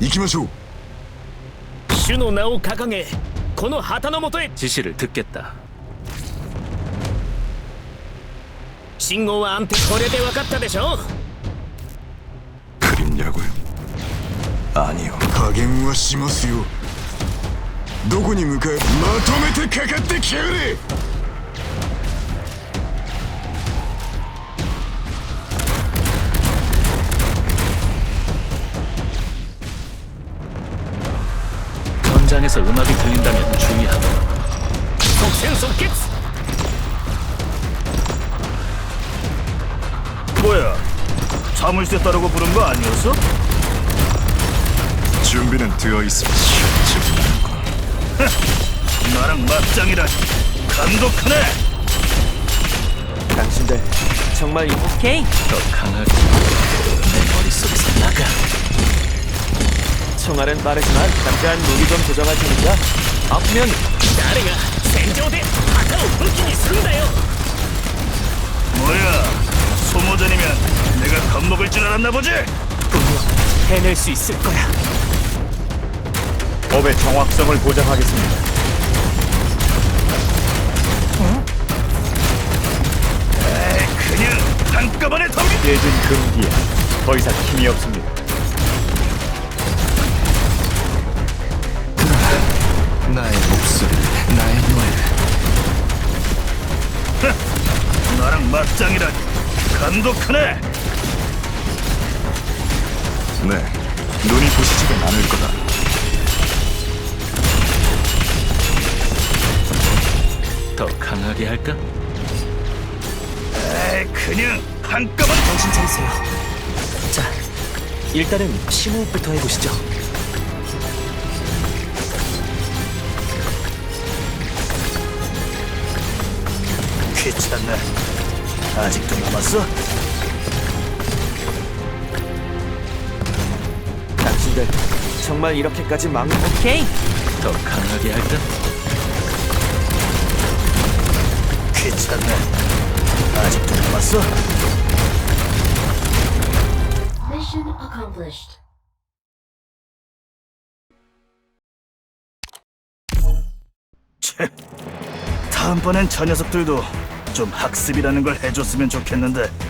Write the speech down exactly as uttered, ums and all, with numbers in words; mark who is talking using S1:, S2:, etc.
S1: 行きましょう。
S2: 主の名を掲げ、この旗の下へ。
S3: 지시를 듣겠다.
S2: 信号は安定。これで分かったでしょ。
S1: 그림자고요. 아니요. 加減はしますよ。どこに向かえ。まとめてかかってきやがれ。
S3: 현장에서 음악이 들린다면 주의하고.
S2: 속생속決.
S4: 뭐야? 자물쇠 따르고 부른 거 아니었어?
S1: 준비는 되어 있습니다.
S4: 나랑 맞짱이라 감독하네.
S5: 당신들 정말 오케이.
S3: 더 강하게 내 머릿속에서 나가.
S5: 총알은 빠르지만 잠깐 무기 좀 조정할 테니까 아프면
S2: 誰が戦場で旗を武器にするんだよ。
S4: 뭐야? 소모전이면 내가 겁먹을 줄 알았나 보지?
S5: 분명 해낼 수 있을 거야.
S4: 법의 정확성을 보장하겠습니다. 에이, 그냥 한꺼번에 덤비. 깨진 금기에 더 이상 힘이 없습니다.
S1: 나의 목소리, 나의 노래.
S4: 나랑 맞짱이라 감독하네.
S1: 네, 눈이 부시지는 않을 거다.
S3: 더 강하게 할까?
S4: 에이, 그냥 한꺼번에.
S5: 정신 차리세요. 자, 일단은 심호흡부터 해보시죠.
S4: 귀찮네. 아직도 남았어?
S5: 당신들 정말 이렇게까지 막 오케이.
S3: 더 강하게 할까?
S4: 귀찮네. 아직도 남았어?
S6: Mission accomplished.
S4: 채. 다음번엔 저 녀석들도 좀 학습이라는 걸 해줬으면 좋겠는데.